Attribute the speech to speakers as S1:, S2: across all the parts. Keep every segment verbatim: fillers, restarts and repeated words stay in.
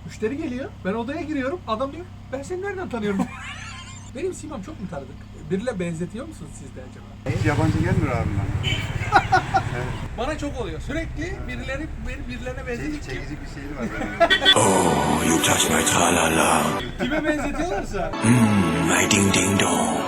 S1: Müşteri geliyor. Ben odaya giriyorum. Adam diyor ben seni nereden tanıyorum? Benim simam çok mu tanıdık? Biriyle benzetiyor musunuz siz de acaba?
S2: Hiç yabancı gelmiyor abi bana. Evet.
S1: Bana çok oluyor. Sürekli birileri beni birilerine benzetiyor.
S2: Çekici bir şeyi var benim.
S3: Oh, you touch my tra-la-la.
S1: Kime benzetiyorlarsa.
S3: Mmm, my ding ding dong.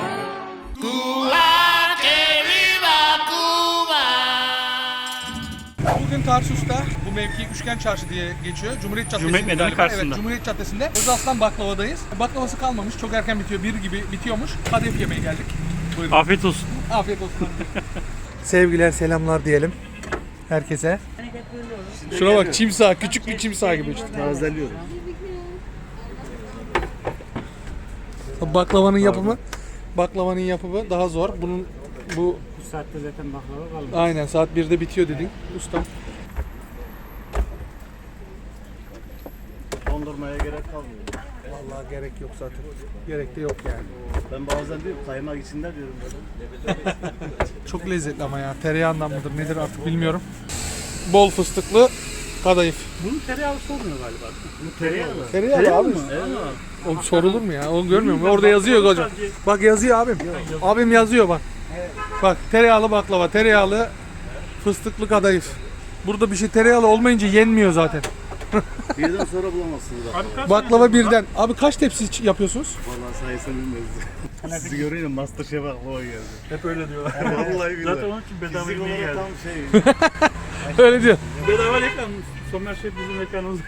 S1: Bugün Tarsus'ta bu mevki Üçgen Çarşı diye geçiyor. Cumhuriyet Caddesi.
S4: Cumhuriyet Meydanı karşısında.
S1: Evet, Cumhuriyet Caddesi'nde Özaslan Baklava'dayız. Baklavası kalmamış. Çok erken bitiyor. Bir gibi bitiyormuş. Kadayıf yemeye geldik. Buyurun.
S4: Afiyet olsun.
S1: Afiyet olsun. Sevgiler, selamlar diyelim herkese. Şuna bak, çimsağ, küçük bir çimsağ gibi işte.
S2: Tazeliyorum.
S1: Baklavanın yapımı, baklavanın yapımı daha zor. Bunun bu
S4: Bu saatte zaten baklava kalmadı.
S1: aynen saat birde bitiyor dedin ustam.
S2: Dondurmaya gerek kalmıyor.
S1: Vallahi gerek yok zaten. Gerek de yok yani.
S2: Ben bazen diyorum kaymak içinde diyorum böyle.
S1: Çok lezzetli ama ya. Tereyağından mıdır nedir artık bilmiyorum. Bol fıstıklı kadayıf.
S4: Bunun tereyağlısı olmuyor galiba.
S2: Bu tereyağı mı?
S1: Tereyağı abi.
S2: Evet.
S1: Oğlum sorulur mu ya? Onu görmüyor musun? Orada yazıyor hocam. Bak yazıyor abim. Abim yazıyor bak. Bak tereyağlı baklava, tereyağlı fıstıklı kadayıf. Burada bir şey tereyağlı olmayınca yenmiyor zaten.
S2: Birden sonra bulamazsınız bak.
S4: Abi kaç
S1: Baklava birden. Abi kaç tepsi yapıyorsunuz?
S2: Vallahi sayısını bilmiyoruz. Sizi görünce Masterchef baklava geldi.
S1: Hep öyle diyorlar.
S2: Vallahi billahi.
S4: Zaten onun için bedava
S2: Fizik
S4: yemeğe
S2: olarak
S4: geldi.
S2: tam şey.
S1: Öyle diyor.
S4: Bedava reklam. Somer Şef bizim mekanımız.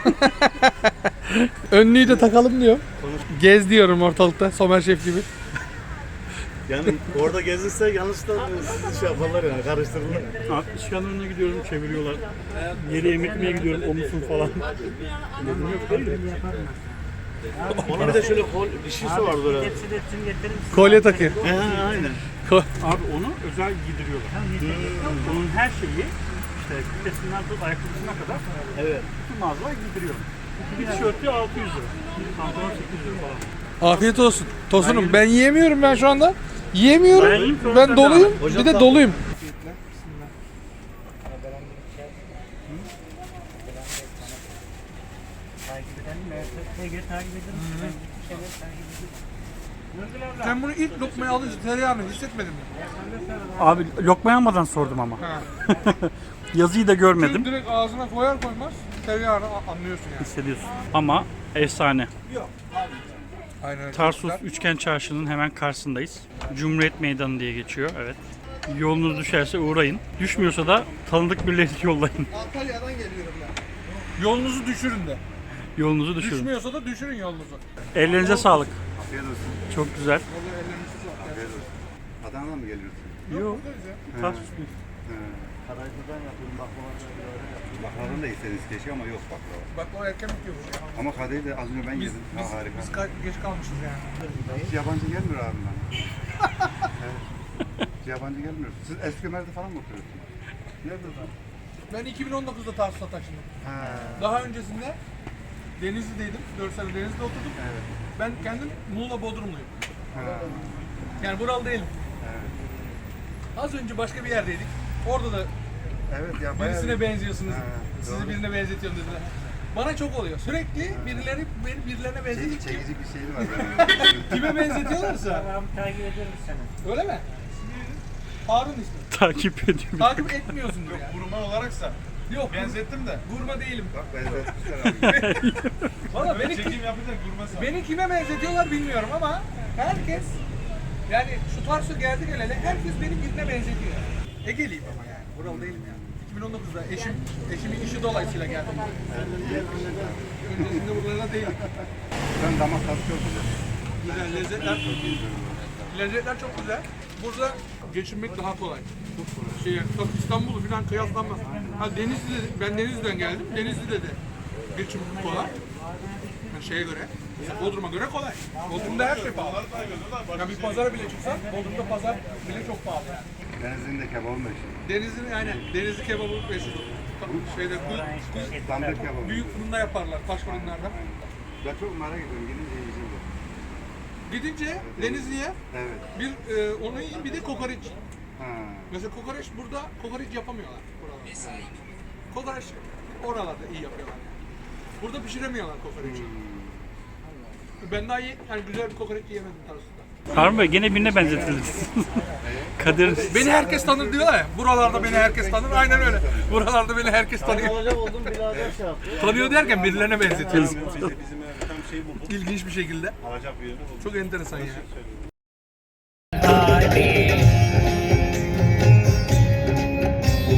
S1: Önlüğü de takalım diyor. Gez diyorum ortalıkta Somer Şef gibi.
S2: Yani orada gezilse yanlışlıkla sizi şey yaparlar yani karıştırırlar.
S4: Abi iş yanlarına gidiyorum çeviriyorlar. Yeri yemek yemeye gidiyorum omuzum falan. Dedim yok değil mi?
S2: Onun bir de şöyle kol bir şeysi var böyle.
S1: Kolye takıyor.
S2: He aynen.
S4: Abi onu özel giydiriyorlar. Onun her şeyi işte kütlesinden tut ayakkabısına kadar
S2: Evet.
S4: bütün mağazalar giydiriyor. Bir tişörtü altı yüz lira. Pantolon sekiz yüz lira falan.
S1: Afiyet olsun. Tosunum ben yiyemiyorum ben şu anda. Yiyemiyorum.
S4: Ben yiyeyim, sonra
S1: Ben
S4: sen
S1: doluyum.
S2: devam et.
S1: Bir
S2: Hocam
S1: de
S2: tam-
S1: doluyum. Sen bunu ilk lokmayı alınca tereyağını hissetmedin mi?
S4: Abi lokma almadan sordum ama.
S1: Ha.
S4: Yazıyı da görmedim.
S1: Çünkü direkt ağzına koyar koymaz tereyağını a- anlıyorsun yani.
S4: Hissediyorsun. Ama efsane.
S1: Aynen öyle.
S4: Tarsus Üçgen Çarşı'nın hemen karşısındayız. Cumhuriyet Meydanı diye geçiyor. Evet. Yolunuz düşerse uğrayın. Düşmüyorsa da tanıdık birileri yollayın.
S1: Antalya'dan geliyorum ben. Yolunuzu düşürün de.
S4: Yolunuzu düşürün.
S1: Düşmüyorsa da düşürün yolunuzu.
S4: Ellerinize sağlık.
S2: Afiyet olsun.
S4: Çok güzel.
S1: Vallahi ellerinize sağlık.
S2: Afiyet olsun. Adana'dan mı geliyorsun?
S4: Yok.
S1: Buradayız ya.
S4: Tarsus değil.
S2: He. Kadayıflıdan yapıyorum baklavadan böyle yapıyorum. Baklavanı da istediniz keşke ama yok baklava.
S1: Baklava erken bitiyormuş ya.
S2: Ama kadayıfı da az önce ben
S1: Biz,
S2: yedim.
S1: biz,
S2: Ha, harika.
S1: biz ka- geç kalmışız yani.
S2: Hiç yabancı gelmiyor abi bana. Evet. Hiç yabancı gelmiyor. Siz Eskimer'de falan mı oturuyorsunuz? Nerede lan?
S1: Ben iki bin on dokuzda Tarsus'a taşındım.
S2: Ha.
S1: Daha öncesinde Denizli'deydim. dört sene Denizli'de oturdum.
S2: Evet.
S1: Ben kendim Muğla Bodrumluyum.
S2: Ha.
S1: Yani buralı değilim.
S2: Evet.
S1: Az önce başka bir yerdeydik. Orada da
S2: Evet ya bayağı.
S1: birisine benziyorsunuz.
S2: Ha,
S1: Sizi
S2: doğru.
S1: birine benzetiyorum dediler. Bana çok oluyor. Sürekli birileri beni birilerine
S2: Çek-
S1: benzetiyor.
S2: çekici bir şeyi var benim.
S1: Kime benzetiyorlarsa.
S4: takip ediyorum seni.
S1: Öyle mi? Harun ismi.
S4: Takip ediyorum.
S1: Takip etmiyorsundur yani.
S5: Vurma olaraksa
S1: Yok.
S5: benzettim de.
S1: Vurma değilim.
S2: Bak benzetmişler abi.
S1: Valla
S5: Beni
S1: beni,
S5: çekim yapacak vurma
S1: beni kime benzetiyorlar bilmiyorum ama herkes yani şu Tarsus'a geldi geleli herkes beni birine benzetiyor. Ege'liyim ama yani. Buralı değilim yani. iki bin on dokuzda eşim, eşimin işi dolayısıyla geldim. Öncesinde buralarda değildik.
S2: Ben damak tadı çok güzel.
S1: Güzel lezzetler. Lezzetler çok güzel. Burada geçinmek daha kolay. Çok kolay. Şey, tabii İstanbul'u falan kıyaslanmaz. Ha Denizli'de, ben Denizli'den geldim. Denizli'de de geçim kolay. Yani şeye göre, mesela Bodrum'a göre kolay. Bodrum'da her şey pahalı. Yani bir pazara bile çıksan, Bodrum'da pazar bile çok pahalı yani.
S2: Denizli'nin de kebabı meşhur.
S1: Denizli'nin aynen, Denizli kebabı meşhur. Şeyde, bu, bu,
S2: Dandır kebabı.
S1: büyük fırında yaparlar, taş fırınlarda.
S2: Ben çok merak ediyorum. Gidince yiyeceğim de.
S1: Gidince Denizli'ye
S2: Evet.
S1: bir e, onu yiyin, bir de kokoreç.
S2: Ha.
S1: Mesela kokoreç burada kokoreç yapamıyorlar buralarda. Kokoreç oralarda iyi yapıyorlar. Burada pişiremiyorlar kokoreçi. Ben daha iyi, yani güzel bir kokoreç yiyemedim Tarsus'ta.
S4: Harun Bey gene birine benzetildiniz. Kadir
S1: Beni herkes tanır diyorlar ya. Buralarda beni herkes tanır. Aynen öyle. Buralarda beni herkes tanıyor.
S6: Alacak oldum birader şey yaptı.
S1: Tanıyor derken birilerine benzetiyoruz.
S2: Bizim, bizim tam şey bulduk.
S1: İlginç bir şekilde.
S2: Alacak bir yerini bulduk.
S1: Çok enteresan ya.